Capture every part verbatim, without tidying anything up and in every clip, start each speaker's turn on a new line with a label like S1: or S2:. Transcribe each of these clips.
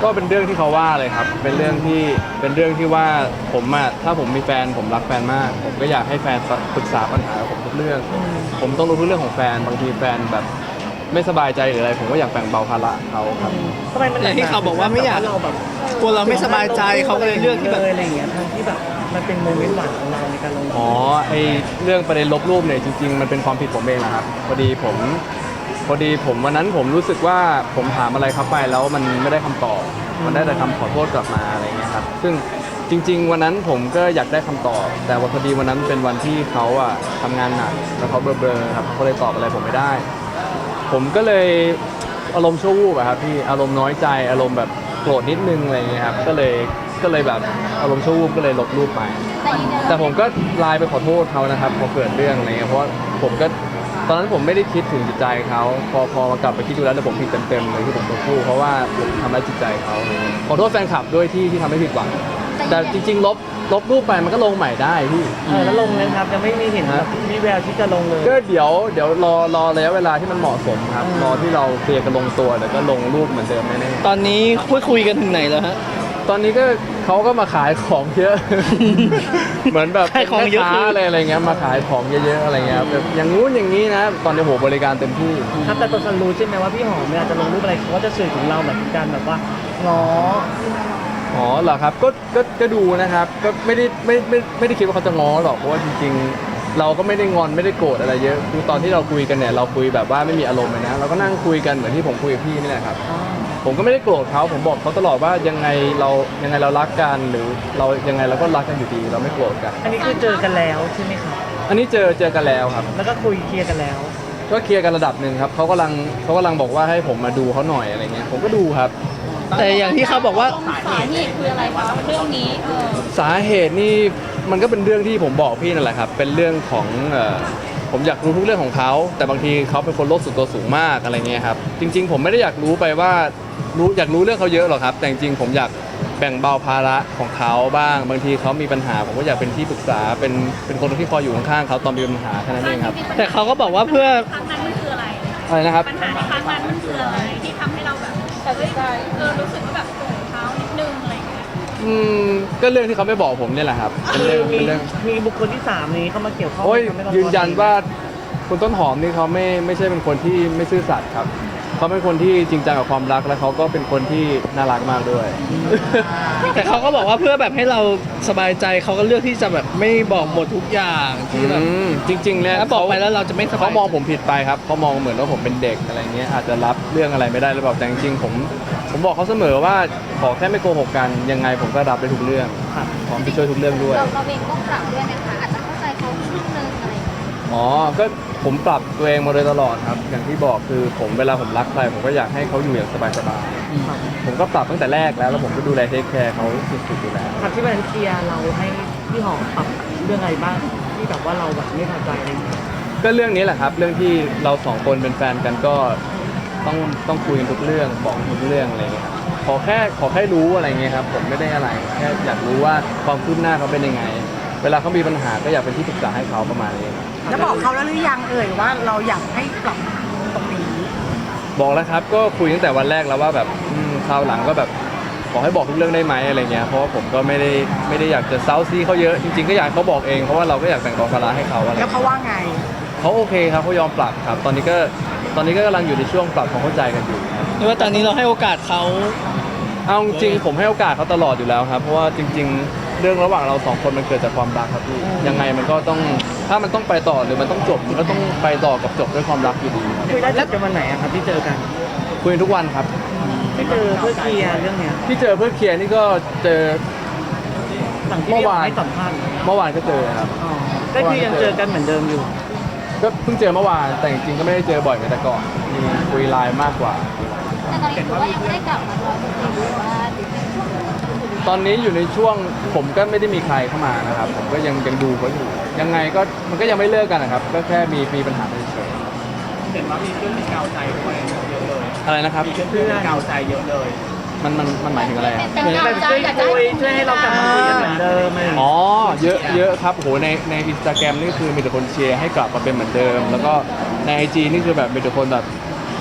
S1: ก็เป็นเรื่องที่เขาว่าเลยครับเป็นเรื่องที่เป็นเรื่องที่ว่าผมอะถ้าผมมีแฟนผมรักแฟนมากผมก็อยากให้แฟนปรึกษาปัญหากับผมทุกเรื่องผมต้องรู้ทุกเรื่องของแฟนบางทีแฟนแบบไม่สบายใจหรืออะไรผมก็อยากแบ่งเบาภาระเขาครับ
S2: ทำไมมัน
S3: อย่างที่เขาบอกว่าไม่อยาก
S2: เราแบบ
S3: กลัวเราไม่สบายใจเขาก็เลยเลือกที่แบบ
S2: อะไรอย่างเงี้ยทั้งที่แบบมันเป็นโมเมนต์หวานของเราในการลง
S1: อ๋อไอเรื่องประเด็นลบรูปเนี่ยจริงๆมันเป็นความผิดผมเองนะครับพอดีผมพอดีผมวันนั้นผมรู้สึกว่าผมถามอะไรเขาไปแล้วมันไม่ได้คำตอบมันได้แต่คำขอโทษกลับมาอะไรเงี้ยครับซึ่งจริงๆวันนั้นผมก็อยากได้คำตอบ แต่ว่าพอดีวันนั้นเป็นวันที่เขาอะทำงานหนักแล้วเขาเบลอๆครับเขาเลยตอบอะไรผมไม่ได้ ผมก็เลยอารมณ์ชั่ววูบอะครับพี่อารมณ์น้อยใจอารมณ์แบบโกรธนิดนึงอะไรเงี้ยครับก็เลยก็เลยแบบอารมณ์ชั่ววูบก็เลยลบรูปไปแต่ผมก็ไลน์ไปขอโทษเขานะครับพอเกิดเรื่องอะไรเงี้ยเพราะว่าผมก็ตอนนั้นผมไม่ได้คิดถึงจิตใจเขาพอพอมากลับไปคิดดูแล้วแต่ผมผิดเต็มๆเลยที่ผมต้องพูดเพราะว่าผมทำร้ายจิตใจเขาขอโทษแฟนคลับด้วยที่ที่ทำให้ผิดหวังแต่จริงๆลบลบรูปไปมันก็ลงใหม่ได้พี่
S2: เออแล้วลงนะครับยังไม่มีเห็นแบบมีแววที่จะลงเลย
S1: ก็เดี๋ยวเดี๋ยวรอรอระยะเวลาที่มันเหมาะสมครับรอที่เราเคลียร์กันลงตัวเดี๋ยวก็ลงรูปเหมือนเดิมแน่
S3: ๆตอนนี้คุยคุยกันถึงไหนแล้วฮะ
S1: ตอนนี้ก็เขาก็มาขายของเยอะ เหมือนแบบ
S3: ขายของเยอะ
S1: อะไรอะไรเงี้ยมาขายของเยอะๆอะไรเงี้ยแบบอย่างงู้นอย่างนี้นะตอนนี้โหบริการเต็มที่
S2: ครับแต่ตัวฉันรู้ใช่ไหมว่าพี่หอมเวลาจะลงรูปอะไรเขาก็จะสื่อถึงเราแบบการแบบว่าง้อ
S1: อ๋อเหรอครับก็ก็ก็ดูนะครับก็ไม่ได้ไม่ไม่ไม่ได้คิดว่าเขาจะง้อหรอกเพราะว่าจริงๆเราก็ไม่ได้งอนไม่ได้โกรธอะไรเยอะคือตอนที่เราคุยกันเนี่ยเราคุยแบบว่าไม่มีอารมณ์เลยนะเราก็นั่งคุยกันเหมือนที่ผมคุยกับพี่นี่แหละครับผมก็ไม่ได้โกรธเขาผมบอกเขาตลอดว่ายังไงเรายังไงเรารักกันหรือเรายังไงเราก็รักกันอยู่ดีเราไม่โกรธกัน
S2: อันนี้คือเจอกันแล้วใช่ไหมครับ
S1: อันนี้เจอเจอกันแล้วครับ
S2: แล้วก็คุยเคลียร์กันแล้ว
S1: ก็เคลียร์กันระดับหนึ่งครับเขากำลังเขากำลังบอกว่าให้ผมมาดูเขาหน่อยอะไรเงี้ยผมก็ดูครับ
S3: แต่อย่างที่เขาบอกว่า
S4: สาเหตุคืออะไรคะเรื่องนี้
S1: สาเหตุนี่มันก็เป็นเรื่องที่ผมบอกพี่นั่นแหละครับเป็นเรื่องของผมอยากรู้ทุกเรื่องของเขาแต่บางทีเขาเป็นคนโลกส่วนตัวสูงมากอะไรเงี้ยครับจริงๆผมไม่ได้อยากรู้ไปว่ารู้อยากรู้เรื่องเขาเยอะหรอกครับแต่จริงๆผมอยากแบ่งเบาภาระของเขาบ้างบางทีเขามีปัญหาผมก็อยากเป็นที่ปรึกษาเป็นเป็นคนที่คอยอยู่ข้างๆเขาตอนมีปัญหาแค่นั้นเองครับ
S3: แต่เขาก็บอกว่าเพื่อ
S4: ครั้งนั้นมันคืออะไร
S1: อะไรนะครับ
S4: ปัญหาในครั้งนั้นมันคืออะไรที่ทำให้เราแบบเฮ้ยเออรู้สึกว่าแบบโกรธเขานิดนึงอะไรอย่างเงี้ย
S1: อืมก็เรื่องที่เขาไม่บอกผมเนี่ยแหละครับเป็นเรื่องเป็นเรื่อง
S2: มีบุคคลที่สามนี้เข้ามาเกี่ยวข้อง
S1: โอ้ยยืนยันว่าคุณต้นหอมนี่เขาไม่ไม่ใช่เป็นคนที่ไม่ซื่อสัตย์ครับเขาเป็นคนที่จริงจังกับความรักและเขาก็เป็นคนที่น่ารักมากด้วย
S3: แต่เขาก็บอกว่าเพื่อแบบให้เราสบายใจเขาก็เลือกที่จะแบบไม่บอกหมดทุกอย่างที่แบบ
S1: จริงๆเนี่ย
S3: ถ้าบอกไปแล้วเราจะไม่สบาย
S1: เขามองผมผิดไปครับเขามองเหมือนว่าผมเป็นเด็กอะไรเงี้ยอาจจะรับเรื่องอะไรไม่ได้หรือเปล่าแต่จริงๆผมผมบอกเขาเสมอว่าขอแค่ไม่โกหกกันยังไงผมก็รับได้ทุกเรื่องพร้อมจะช่วยทุกเรื่องด้วย
S4: เราเราเองก็ปรับด้วยนะคะอาจจะเข้าใจเขาครึ่งนึงอะไรอย่างเงี้ย
S1: อ๋อก็ผมปรับตัวเองมาโดยตลอดครับอย่างที่บอกคือผมเวลาผมรักใครผมก็อยากให้เขาอยู่อย่างสบายๆผมก็ปรับตั้งแต่แรกแล้วแล้วผมก็ดูแลเทคแคร์เขาสุดๆอยู่แล้ว
S2: ครับที่วันเคลียร์เราให้พี่หอมปรับเรื่องอะไรบ้างที่แบบว่าเราแบบไม่พอใจอะไรอย่างเงี้ย
S1: ก็เรื่องนี้แหละครับเรื่องที่เราสองคนเป็นแฟนกันก็ต้องต้องคุยกันทุกเรื่องบอกทุกเรื่องอะไรเงี้ยครับขอแค่ขอแค่รู้อะไรเงี้ยครับผมไม่ได้อะไรแค่อยากรู้ว่าความคืบหน้าเขาเป็นยังไงเวลาเขามีปัญหาก็อยากเป็นที่ปรึกษาให้เขาประมาณนี้
S5: แล้วบอกเขาแล้วหรือยังเอ่ยว่าเราอยากให้ปรับตรงนี้
S1: บอกแล้วครับก็คุยตั้งแต่วันแรกแล้วว่าแบบคราวหลังก็แบบขอให้บอกทุกเรื่องได้ไหมอะไรเงี้ยเพราะว่าผมก็ไม่ได้ไม่ได้อยากจะเซาซีเขาเยอะจริงๆก็อยากเขาบอกเองเพราะว่าเราก็อยากแบ่งเบาภาระให้เขาอะไร
S5: แล้วเขาว่าไง
S1: เขาโอเคครับเขายอมปรับครับตอนนี้ก็ตอนนี้ก็กำลังอยู่ในช่วงปรับความเข้าใจกันอยู่
S3: หรือว่าตอนนี้เราให้โอกาสเขา
S1: เอาจริงผมให้โอกาสเขาตลอดอยู่แล้วครับเพราะว่าจริงๆเรื่องระหว่างเราสองคนมันเกิดจากความรักครับพี่ยังไงมันก็ต้องถ้ามันต้องไปต่อหรือมันต้องจบมันก็ต้องไปต่อกับจบด้วยความรักอยู่ดี
S2: คุยได้จบกันวันไหนครับที่เจอกัน
S1: คุยทุกวันครับ
S2: ที่เจอเพื่อเคลียร์เรื่องเนี้ย
S1: ที่เจอเพื่อเคลียร์นี่ก็เจอ
S2: เมื่อวานให้สัมภาษณ์
S1: เมื่อวานก็เจอครับ
S2: ก็คือยังเจอกันเหมือนเดิมอยู่
S1: ก็เพิ่งเจอเมื่อวานแต่จริงๆก็ไม่ได้เจอบ่อยเหมือนแต่ก่อนมีคุยไลน์มากกว่า
S4: แต่ตอนนี้ถือว่ายังไม่ได้กลับมาร้อยเปอร์เซ็นต์หรือว่า
S1: ตอนนี้อยู่ในช่วงผมก็ไม่ได้มีใครเข้ามานะครับผมก็ยังยังดูเขาอยู่ยังไงก็มันก็ยังไม่เลิกกันนะครับก็แค่มีมีปัญหาเฉย
S2: ๆเห็นว่ามีเพื่อนมีกาวใจด้วยเยอะเลย
S1: อะไรนะครับ
S2: มีเพื่อนมีกาวใจเยอะเลย
S1: มันมันมันหมายถึงอะไรครับ
S2: เหมือนแบบช่วยคุยช่วยให้เรากลับมาคุยกันเหมือนเดิม
S1: อ๋อเยอะเยอะครับโหในในอินสตาแกรมนี่คือมีแต่คนเชียร์ให้กลับมาเป็นเหมือนเดิมแล้วก็ในไอจีนี่คือแบบมีแต่คนแบบ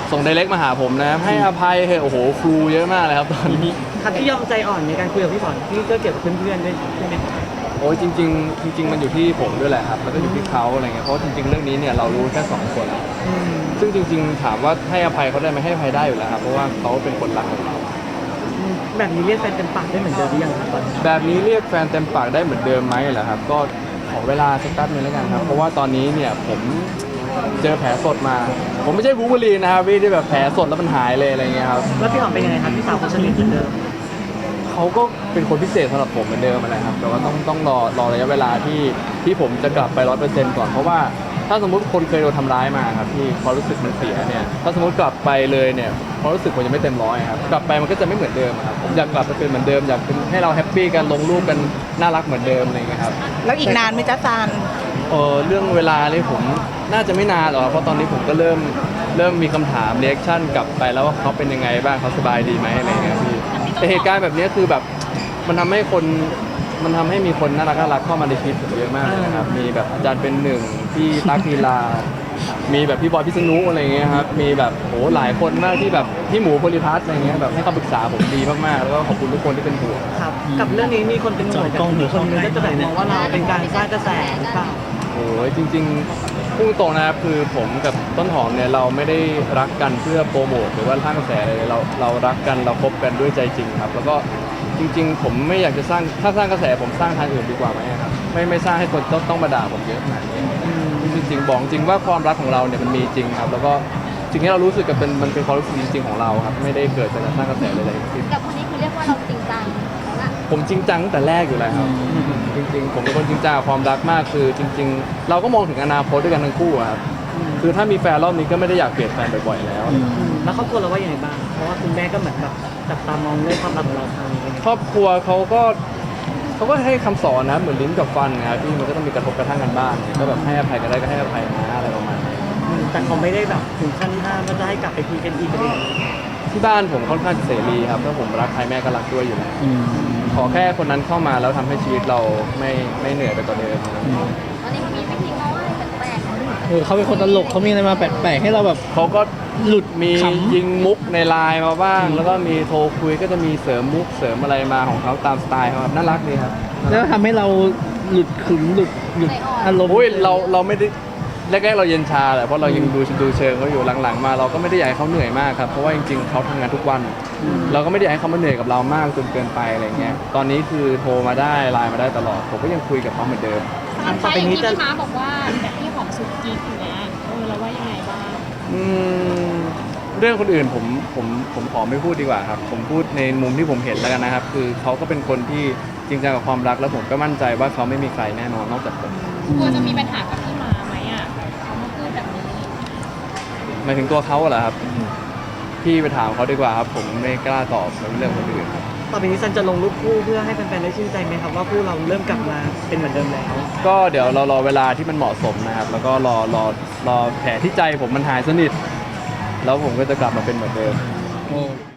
S1: ส่งไดเรกมาหาผมนะครับให้อภัยเถอะโอ้โหครูเยอะมากเลยครับตอนนี้
S2: คัดที่ยอมใจอ่อนในการคุยกับพี่สอนที่ก็เกี่ยวกับเพื่อนๆด้วยใช่ไหมครับ
S1: โอ้ยจริงๆจริง ๆ มันอยู่ที่ผมด้วยแหละครับแล้วก็อยู่ที่เขาอะไรเงี้ยเพราะจริงๆเรื่องนี้เนี่ยเรารู้แค่สองคน
S2: อืม
S1: ซึ่งจริง ๆ ถามว่าให้อภัยเขาได้ไหมให้อภัยได้อยู่แล้วครับเพราะว่าเขาเป็นคนรักของเรา
S2: อืมแบบนี้เรียกแฟนเต็มปากได้เหมือนเดิมหรือยังครับตอนนี้
S1: แบบนี้เรียกแฟนเต็มปากได้เหมือนเดิมไหมเหรอครับก็ขอเวลาสักแป๊บนึงแล้วกันครับเพราะว่าตอนนี้เนี่ยผมเจอแผลสดมา ผมไม่ใช่บูเบอรีนนะครับพี่ที่แบบแผลสดแล้วมันหายเลยอะไรเงี้ยครับ
S2: แล้วพี่หอมเป็นยังไงครับพี่สาวคนสนิทเหมือนเดิม
S1: เขาก็เป็นคนพิเศษสำหรับผมเหมือนเดิมอะไรครับแต่ว่าต้องต้องรอรอระยะเวลาที่ที่ผมจะกลับไปร้อยเปอร์เซ็นต์ก่อนเพราะว่าถ้าสมมติคนเคยโดนทำร้ายมาครับพี่ความรู้สึกมันเสียเนี่ยถ้าสมมติกลับไปเลยเนี่ยความรู้สึกผมจะไม่เต็มร้อยครับกลับไปมันก็จะไม่เหมือนเดิมอะครับผมอยากกลับไปเป็นเหมือนเดิมอยากเป็นให้เราแฮปปี้กันลงรูปกันน่ารักเหมือนเดิมอะไรเงี้ยครับ
S5: แล้วอีกนานไหมจ๊ะซาน
S1: เออเรื่องเวลานี่ผมน่าจะไม่นานหรอกเพราะตอนนี้ผมก็เริ่มเริ่มมีคำถามเรีแอคชั่นกลับไปแล้วว่าเขาเป็นยังไงบ้างเขาสบายดีไหมอะไรเงี้ยพี่แต่เหตุการณ์แบบนี้คือแบบมันทำให้คนมันทำให้มีคนน่ารักน่ารักเข้ามาในชีวิตผมเยอะมากเลยนะครับมีแบบอาจารย์เป็นหนึ่งพี่ตั๊กนีลา มีแบบพี่บอยพิษณุอะไรเงี้ยครับมีแบบโหหลายคนมากที่แบบพี่หมูโพลิพัฒน์อะไรเงี้ยแบบให้คำปรึกษาผมดีมากๆแล้วก็ขอบคุณทุกคนที่เป็นห่วง
S2: ครับ กับเรื่องนี้มีคนเป็นห่วงกับคนหนึงก็จะแบบมองว่าเราเป็นการสร้างกระแสหรือเปล่า
S1: โอ้ยจริงๆพูดตรงนะครับคือผมกับต้นหอมเนี่ยเราไม่ได้รักกันเพื่อโปรโมทหรือว่าสร้างกระแสอะไรเลยเราเรารักกันเราคบกันด้วยใจจริงครับ แล้วก็จริง ๆ ผมไม่อยากจะสร้างถ้าสร้างกระแสผมสร้างทางอื่นดีกว่าไหมครับไม่ไม่สร้างให้คนต้องต้องมาด่าผมเยอะขนาดนี้จริงๆบอกจริงว่าความรักของเราเนี่ยมันมีจริงครับ แล้วก็สิ่งที่เรารู้สึกกับเป็นมันเป็นความรู้สึกจริงๆของเราครับไม่ได้เกิดจากการสร้างกระแสเลยทั้งสิ้น
S4: กับคนนี้คือเรียกว่าเราจริงจังแล้วล่ะ
S1: ผมจริงจังตั้งแต่แรกอยู่แล้วครับจริงๆ ผมเป็นคนจริงจังกับความรักมากคือจริง ๆ เราก็มองถึงอนาคตด้วยกันทั้งคู่อะครับคือถ้ามีแฟนรอบนี้ก็ไม่ได้อยากเปลี่ยนแฟนบ่อยๆแล้ว
S2: อืมแล้วครอบครัวเราว่ายังไงบ้าง เพราะว่าคุณแม่ก็เหมือนแบบจับตามองเรื่องความรักของเราทางนี้
S1: ครอบครัวเขาก็เขาก็ให้คำสอนนะเหมือนลิ้นกับฟันนะครับที่มันก็ต้องมีกระทบกระทั่งกันบ้างเนี่ยก็แบบให้อภัยกันได้ก็ให้อภัยนะอะไรประมาณนี้
S2: อืมแต่เขาไม่ได้แบบถึงขั้นห้ามว่าจะให้กลับไปคุยกันอีกอะไรอย่างเงี้ย
S1: ที่บ้านผมค่อนข้างเสรีครับถ้าผมรักใครแม่ก็รักด้วยอยู่แล้วขอแค่คนนั้นเข้ามาแล้วทำให้ชีวิตเราไม่ไม่เหนื่อยไปกว่าเดิม
S4: ตอนนี้มีไม่จริงเนาะอะไรแปลกๆเนาะ
S3: เออเขาเป็นคนตลกเขามีอะไรมาแปลกๆให้เราแบบ
S1: เขาก็
S3: หลุด
S1: มี
S3: ขำ
S1: ยิงมุกในไลน์มาบ้าง แล้วก็มีโทรคุยก็จะมีเสริมมุกเสริมอะไรมาของเขาตามสไตล์เขาครับน่ารักดีครับ
S3: แล้วทำให้เราหลุดขึงหลุดหลุดอารมณ์
S1: โอ้ยเราเราไม่ได้แรกๆเราเย็นชาแหละเพราะเรายังดูดูเชิงเขาอยู่หลังๆมา เราก็ไม่ได้อยากให้เขาเหนื่อยมากครับเพราะว่าจริงๆเขาทำงานทุกวัน เราก็ไม่ได้อยากให้เขามาเหนื่อยกับเรามากจนเกินไปอะไรเงี้ยตอนนี้คือโทรมาได้ไลน์มาได้ตลอดผมก็ยังคุยกับเขาเหมือนเดิม
S2: อันต่อไปนี้จะ
S4: พี่ม้าบอกว่าแบบที่ของสุกี้อย่างเงี้ยเออเราว่ายังไงบ้าง
S1: อืมเรื่องคนอื่นผมผมผมขอไม่พูดดีกว่าครับผมพูดในมุมที่ผมเห็นแล้วกันนะครับ คือเขาก็เป็นคนที่จริงจังกับความรักแล้วผมก็มั่นใจว่าเขาไม่มีใครแน่นอนนอกจากผม
S4: กลัวจะมีปัญหากับพี่ม้าไหมอ่ะเขามาพูดแบบนี้
S1: หมายถึงตัวเขาเหรอครับพี่ไปถามเขาดีกว่าครับ ผมไม่กล้าตอบในเรื่องคนอื่นครับ
S2: ต่อไปนี้ซันจะลงรูปคู่เพื่อให้แฟนๆได้ชื่นใจไหมครับว่าคู่เราเริ่มกลับมาเป็นเหมือนเดิมแล้ว
S1: ก็เดี๋ยวเรารอเวลาที่มันเหมาะสมนะครับ แล้วก็รอรอรอแผลที่ใจผมมันหายสนิทแล้วผมก็จะกลับมาเป็นเหมือนเดิม